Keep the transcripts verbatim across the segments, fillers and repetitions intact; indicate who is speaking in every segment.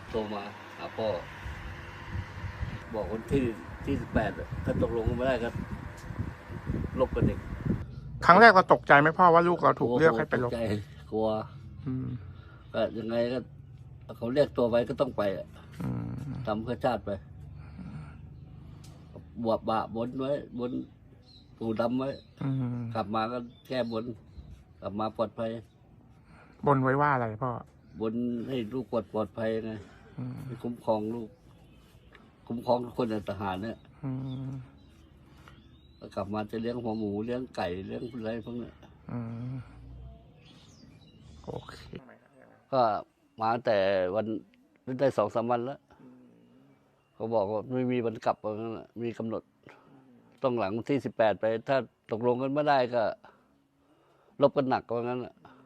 Speaker 1: โทรมาหาพ่อบอกวันที่ที่สิบแปดถ้าตกลงกันไม่ได้ก็ลบกันอีก
Speaker 2: ครั้งแรกเราตกใจไหมพ่อว่าลูกเราถูกเลือกให้ไปลบ
Speaker 1: ตกใจกลัวก็ยังไงก็เขาเรียกตัวไปก็ต้องไปอ่ะทำเพื่อชาติไปบวบบะบนไว้บนปู่ดำไว้กลับมาก็แก้บนกลับมาปลอดภัย
Speaker 2: บนไว้ว่าอะไรพ่อบ
Speaker 1: นให้ลูกปลอดปลอดภัยไงคุ้มครองลูกคุ้มครองทุกคนในทหารเนี่ยกลับมาจะเลี้ยงหัวหมูเลี้ยงไก่เลี้ยงอะไรพวกนี้
Speaker 2: โอเค
Speaker 1: ก็มาแต่วันได้สองสามวันแล้วเขาบอกว่าไม่มีวันกลับว่างั้นมีกำหนดต้องหลังที่สิบแปดไปถ้าตกลงกันไม่ได้ก็ลบกันหนักว่างั้น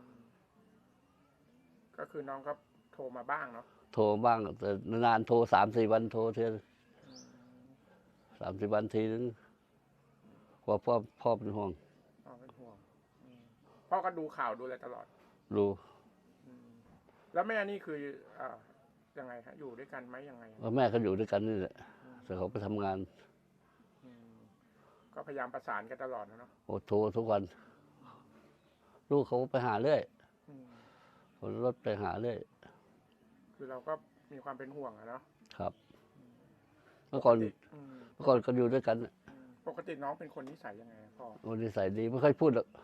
Speaker 2: ก็คือน้องก็โทรมาบ้างเนาะ
Speaker 1: โทรบ้างแต่นานโทรสามสี่วันโทรเท่าสามสี่วันทีนึงกว่าพ่อพ่อเป็นห่วง
Speaker 2: พ่อเป็นห่วงพ่อก็ดูข่าวดูอะไรตลอด
Speaker 1: ดู
Speaker 2: แล้วแม่นี่คืออ่ายังไงฮะอยู่ด้วยกันไหมยังไง
Speaker 1: แม่ก็อยู่ด้วยกันนี่แหละแต่เขาไปทำงาน
Speaker 2: ก็พยายามประสานกันตลอดนะเนาะ
Speaker 1: โอ้โทรทุกวันลูกเขาไปหาเรื่อยคนรถไปหาเรื่อย
Speaker 2: คือเราก็มีความเป็นห่วงอะเนาะ
Speaker 1: ครับเมื่อก่อนเมื่อก่อนก็อยู่ด้วยกัน
Speaker 2: ปกติน้องเป็นคนนิสัยยังไงพ่อ
Speaker 1: คนนิสัยดีไม่ค่อยพูดหรอก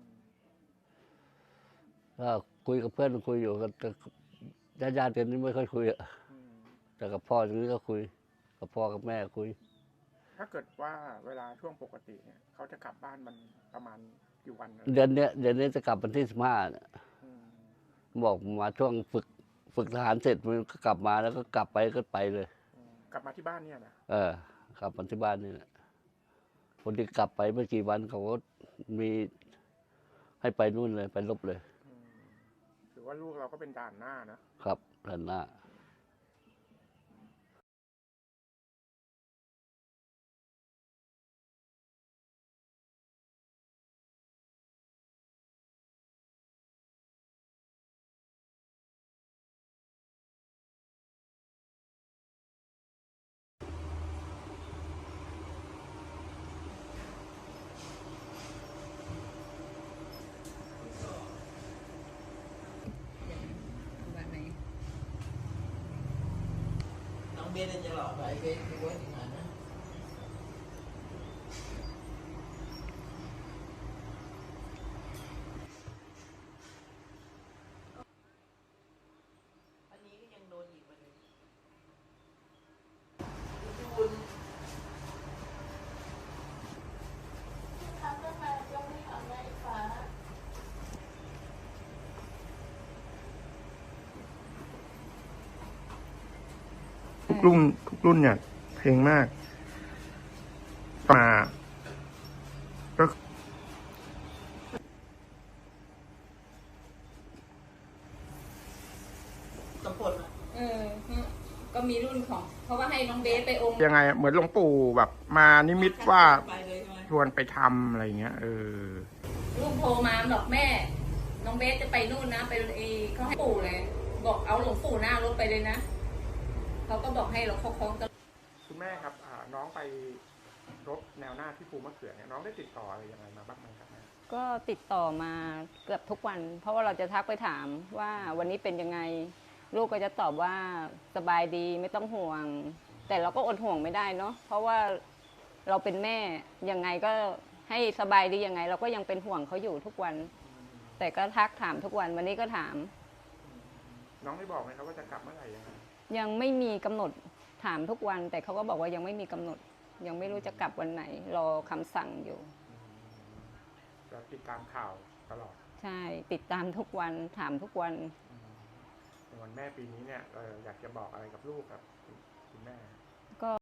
Speaker 1: ถ้าคุยกับเพื่อนคุยอยู่กับญาติญาติกันนี่ไม่ค่อยคุยอะแต่กับพ่อตรงนี้ก็คุยกับพ่อกับแม่คุย
Speaker 2: ถ้าเกิดว่าเวลาช่วงปกติเนี่ยเขาจะกลับบ้านมันประมาณกี่วัน
Speaker 1: เดือนเนี้ยเดือนนี้จะกลับวันที่สิบห้าบอกมาช่วงฝึกฝึกทหารเสร็จมันก็กลับมาแล้วก็กลับไปก็ไปเลย
Speaker 2: กลับมาที่บ้านเนี่ยนะ
Speaker 1: เออกลับมาที่บ้านนี่แหละคนที่กลับไปเมื่อกี่วันเขาก็มีให้ไปนู่นเลยไปลบเลย
Speaker 2: ถือว่าลูกเราก็เป็นด่านหน้า
Speaker 1: นะครับด่านหน้า
Speaker 3: เบสจะหลอกไปเบสไปไว้ที่ไหนนะอันนี้ก็ยังโดนอีกไปเลยคุณทำได้ไหมยังไม่ทำได้ฟ้า
Speaker 2: ทุกรุ่นทุกรุ่นเนี่ยเพลงมากมาก็
Speaker 3: ตำปน
Speaker 4: เออก็มีรุ่นของเพราะว่าให้น้องเบสไปอม
Speaker 2: ยังไงเหมือนหลวงปู่แบบมานิมิตว่าชวนไปทำอะไรเงี้ยเออ
Speaker 4: ลูกโทรมาบอกแม่น้องเบสจะไปนู่นนะไปเอเขาให้ปู่เลยบอกเอาหลวงปู่หน้ารถไปเลยนะเขาก็บอกให้เราคล้องกัน
Speaker 2: คุณแม่ครับน้องไปรบแนวหน้าที่ภูมะเขือเนี่ยน้องได้ติดต่ออะไรยังไงมาบ้างไหมครับแม่
Speaker 5: ก็ติดต่อมาเกือบทุกวันเพราะว่าเราจะทักไปถามว่าวันนี้เป็นยังไงลูกก็จะตอบว่าสบายดีไม่ต้องห่วงแต่เราก็อดห่วงไม่ได้เนาะเพราะว่าเราเป็นแม่ยังไงก็ให้สบายดียังไงเราก็ยังเป็นห่วงเขาอยู่ทุกวันแต่ก็ทักถามทุกวันวันนี้ก็ถาม
Speaker 2: น้องได้บอกไหมครับว่าจะกลับเมื่อไหร่ยังไง
Speaker 5: ยังไม่มีกำหนดถามทุกวันแต่เขาก็บอกว่ายังไม่มีกำหนดยังไม่รู้จะกลับวันไหนรอคำสั่งอยู่
Speaker 2: จะติดตามข่าวตลอด
Speaker 5: ใช่ติดตามทุกวันถามทุกวัน
Speaker 2: วันแม่ปีนี้เนี่ยอยากจะบอกอะไรกับลูกกับคุณแม่